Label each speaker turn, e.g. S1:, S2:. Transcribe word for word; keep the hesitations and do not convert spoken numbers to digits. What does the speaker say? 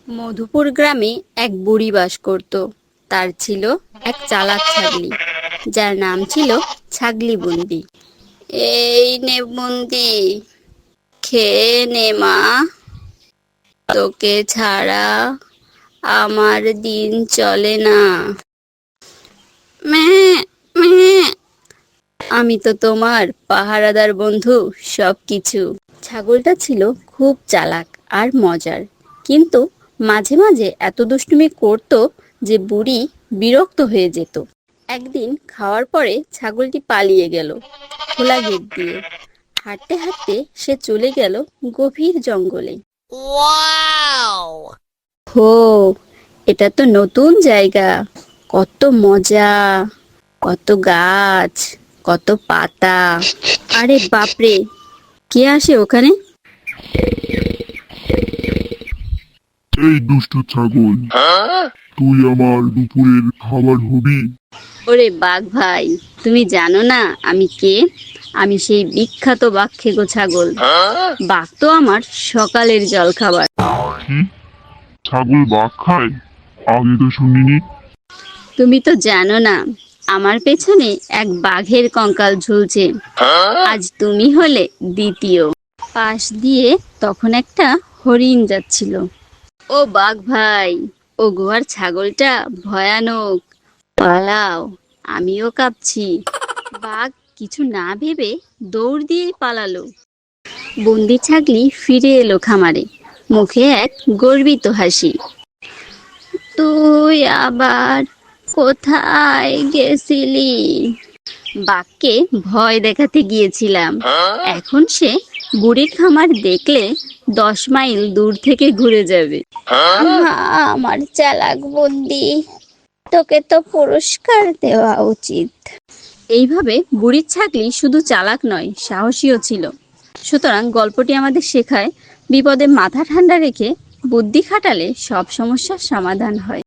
S1: মধুপুর গ্রামে এক বুড়ি বাস করত। তার ছিল এক চালাক ছাগলি, যার নাম ছিল ছাগলি বুন্দি। এই নে বুন্দি, খেয়ে নে মা, তোকে ছাড়া আমার দিন চলে না। ম্যাঁ, ম্যাঁ। আমি তো তোমার পাহারাদার বন্ধু, সব কিছু। ছাগলটা ছিল খুব চালাক আর মজার, কিন্তু মাঝে মাঝে এত দুষ্টুমি করত যে বুড়ি বিরক্ত হয়ে যেত। একদিন খাওয়ার পরে ছাগলটি পালিয়ে গেল খোলা গেট দিয়ে। হাঁটতে হাঁটতে সে চলে গেল গভীর জঙ্গলে। হো, এটা তো নতুন জায়গা, কত মজা, কত গাছ, কত পাতা। আরে বাপরে, কে আসে ওখানে?
S2: এই দুষ্ট ছাগল, তুই আমার দুপুরের খাবার হবি?
S1: ওরে বাঘ ভাই, তুমি জানো না আমি কে? আমি সেই বিখ্যাত বাঘখেকো ছাগল। বাঘ তো আমার সকালের জলখাবার।
S2: কি? ছাগল বাঘ খায়? আগে তো শুনিনি।
S1: তুমি তো জানো না, আমার পেছনে এক বাঘের কঙ্কাল ঝুলছে। আজ তুমি হলে দ্বিতীয়। পাশ দিয়ে তখন একটা হরিণ যাচ্ছিল। ও বাঘ ভাই, ও গুহার ছাগলটা ভয়ানক, পালাও, আমিও কাঁপছি। বাঘ কিছু না ভেবে দৌড় দিয়ে পালালো। বন্দি ছাগলি ফিরে এলো খামারে, মুখে এক গর্বিত হাসি। তুই আবার কোথায় গেছিলি? বাঘকে ভয় দেখাতে গিয়েছিলাম। এখন সে বুড়ির খামার দেখলে দশ মাইল দূর থেকে ঘুরে যাবে। আহা, আমার চালাক বন্দি, তোকে তো পুরস্কার দেওয়া উচিত। এইভাবে বুড়ির ছাগলি শুধু চালাক নয়, সাহসীও ছিল। সুতরাং গল্পটি আমাদের শেখায়, বিপদে মাথা ঠান্ডা রেখে বুদ্ধি খাটালে সব সমস্যার সমাধান হয়।